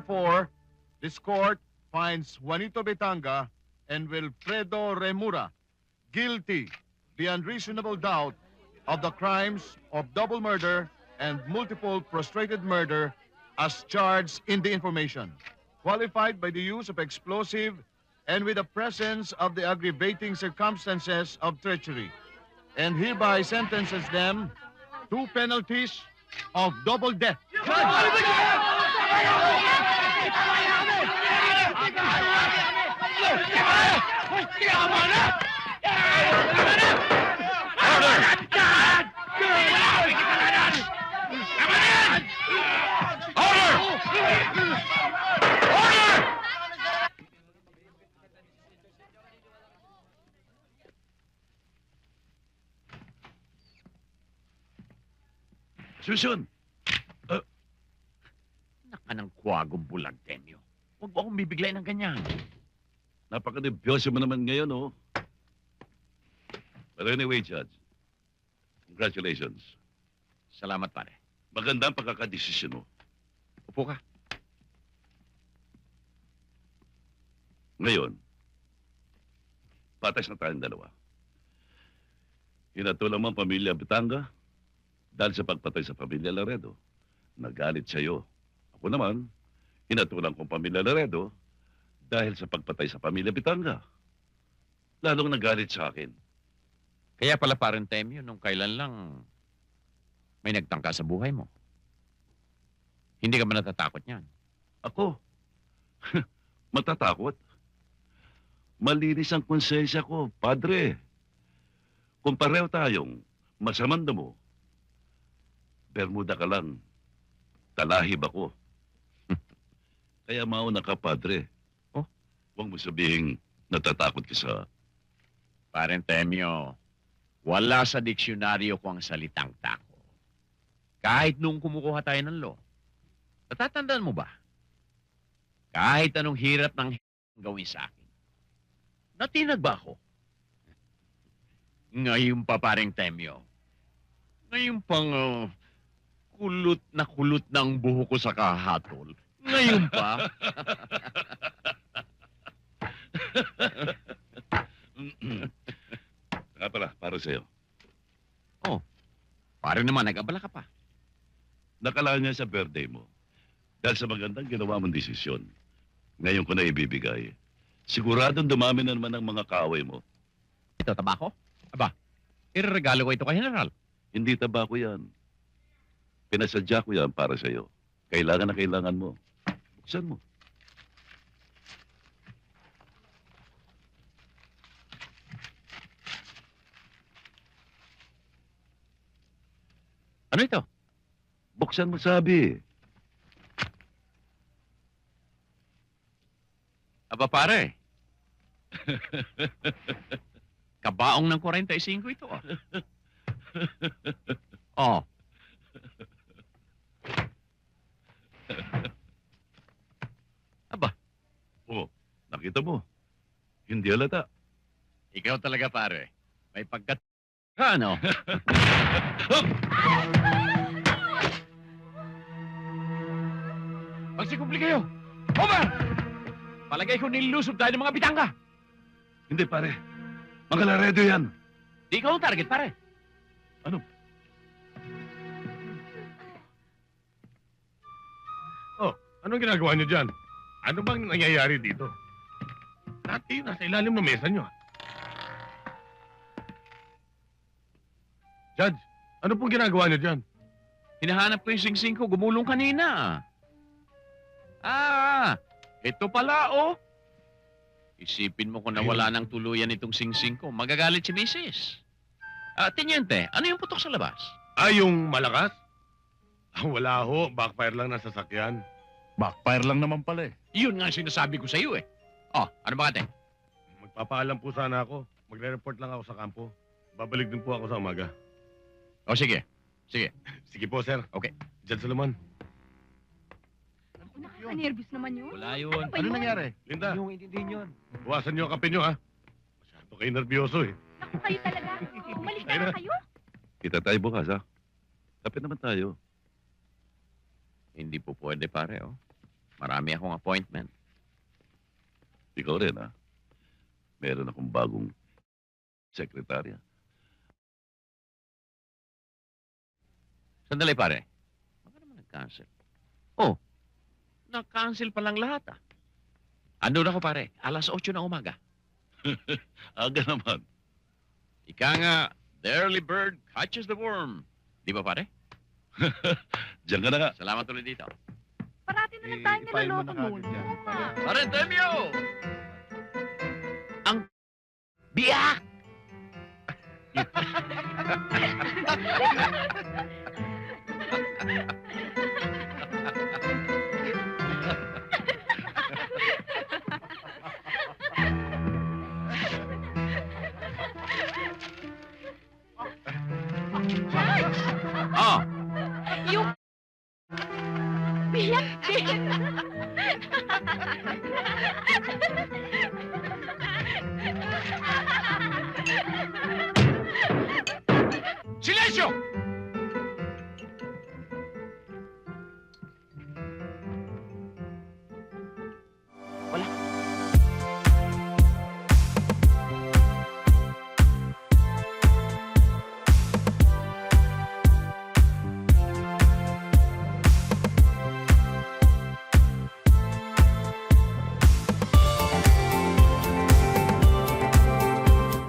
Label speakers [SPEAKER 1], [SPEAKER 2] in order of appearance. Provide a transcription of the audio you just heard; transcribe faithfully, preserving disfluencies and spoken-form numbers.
[SPEAKER 1] Therefore, this court finds Juanito Betanga and Wilfredo Remura guilty beyond reasonable doubt of the crimes of double murder and multiple prostrated murder as charged in the information, qualified by the use of explosive and with the presence of the aggravating circumstances of treachery, and hereby sentences them to penalties of double death.
[SPEAKER 2] Susun! Uh,
[SPEAKER 3] Naka ng kwagong bulag, Temyo. Huwag mo akong bibiglay ng ganyan.
[SPEAKER 2] Napaka-nervyoso mo naman ngayon, oh. But anyway, Judge, congratulations.
[SPEAKER 3] Salamat, pare.
[SPEAKER 2] Maganda ang pagkakadesisyon mo.
[SPEAKER 3] Upo ka.
[SPEAKER 2] Ngayon, patas na tayong dalawa. Hinatulang mo ang pamilya Betanga dahil sa pagpatay sa pamilya Laredo. Nagalit sa'yo. Ako naman, hinatulang kong pamilya Laredo dahil sa pagpatay sa pamilya Betanga. Lalong nagalit sa akin.
[SPEAKER 3] Kaya pala, parang Temyo, nung kailan lang may nagtangka sa buhay mo. Hindi ka ba natatakot niyan?
[SPEAKER 2] Ako? Matatakot? Malinis ang konsensya ko, padre. Kung pareho tayong masamang damo, Bermuda ka lang, talahib ako. Kaya mauna ka, padre.
[SPEAKER 3] Oh?
[SPEAKER 2] Huwag mo sabihin natatakot ka sa...
[SPEAKER 3] Parang Temyo, wala sa diksyonaryo ko ang salitang tako. Kahit nung kumukuha tayo ng law, natatandaan mo ba? Kahit anong hirap ng gawin sa akin, natinag ba ako? Ngayon pa, parang Temyo. Ngayon pang uh, kulot na kulot ng buho ko sa kahatol. Ngayon pa.
[SPEAKER 2] Nga pala, para sa'yo.
[SPEAKER 3] Oh, parang naman nag-abala ka pa.
[SPEAKER 2] Nakala niya sa birthday mo. Dahil sa magandang ginawa mong desisyon, ngayon ko na ibibigay. Siguradong dumami na naman ang mga kaaway mo.
[SPEAKER 3] Ito, tabako? Aba, ireregalo ko ito kay General.
[SPEAKER 2] Hindi tabako yan. Pinasadya ko yan para sa'yo. Kailangan na kailangan mo. Buksan mo.
[SPEAKER 3] Ano ito?
[SPEAKER 2] Buksan mo, sabi.
[SPEAKER 3] Aba, pare. Kabaong ng forty-five ito, ah. Oh. Aba,
[SPEAKER 2] Oh, nakita mo. Hindi halata.
[SPEAKER 3] ikaw talaga, pare. May pagkat... Ano? Magsikumpli kayo! Over! Palagay ko nilusob tayo ng mga bitangga.
[SPEAKER 2] Hindi, pare. Mga Laredo yan.
[SPEAKER 3] Di ikaw ang target, pare.
[SPEAKER 2] Ano?
[SPEAKER 4] Oh, anong ginagawa niyo dyan? Ano bang nangyayari dito? Lahat kayo nasa ilalim ng mesa niyo. ah. Judge, ano pong ginagawa niyo dyan?
[SPEAKER 3] Hinahanap ko yung singsing ko. Gumulong kanina. Ah, ito pala, oh. Isipin mo kung nawala ng tuluyan itong singsing ko. Magagalit si misis. Ah, Teniente, ano yung putok sa labas?
[SPEAKER 4] Ah, yung malakas? Ah, wala ho. Backfire lang ng sasakyan.
[SPEAKER 5] Backfire lang naman pala eh.
[SPEAKER 3] Yun nga ang sinasabi ko sa iyo, eh. Oh, ano ba, ate?
[SPEAKER 4] Magpapaalam po sana ako. Magre-report lang ako sa kampo. Babalik din po ako sa umaga.
[SPEAKER 3] Oh, sige. Sige.
[SPEAKER 4] Sige po, sir.
[SPEAKER 3] Okay.
[SPEAKER 4] Judge Solomon.
[SPEAKER 6] Nakaka-nervous naman yun.
[SPEAKER 3] Wala yun.
[SPEAKER 6] Ano ba
[SPEAKER 5] Ano
[SPEAKER 6] yun?
[SPEAKER 5] nangyari?
[SPEAKER 4] Linda,
[SPEAKER 3] Yung intindihin yun.
[SPEAKER 4] buwasan niyo ang kape niyo, ha? Masyado kayo nervyoso, eh.
[SPEAKER 6] Naku, kayo talaga. Umalis na lang kayo.
[SPEAKER 2] Kita tayo bukas, ha? Kapit naman tayo.
[SPEAKER 3] Hindi po pwede, pare, oh. Marami akong appointment.
[SPEAKER 2] Ikaw rin, ha? Meron akong bagong sekretarya.
[SPEAKER 3] Sandali, pare. Baka naman nag-cancel. Oh, nag-cancel pa lang lahat, ah. Andun ako, pare. Alas otso ng umaga.
[SPEAKER 2] Aga naman.
[SPEAKER 3] Ika nga, the early bird catches the worm. Di ba, pare?
[SPEAKER 2] Diyan ka na nga.
[SPEAKER 3] Salamat ulit dito.
[SPEAKER 6] Parati na lang tayo
[SPEAKER 1] I-file mo
[SPEAKER 6] niloloko
[SPEAKER 1] na
[SPEAKER 6] mo.
[SPEAKER 1] kagad yan.
[SPEAKER 6] Oo nga.
[SPEAKER 3] Pare, Temyo! Ang biyak! Oh,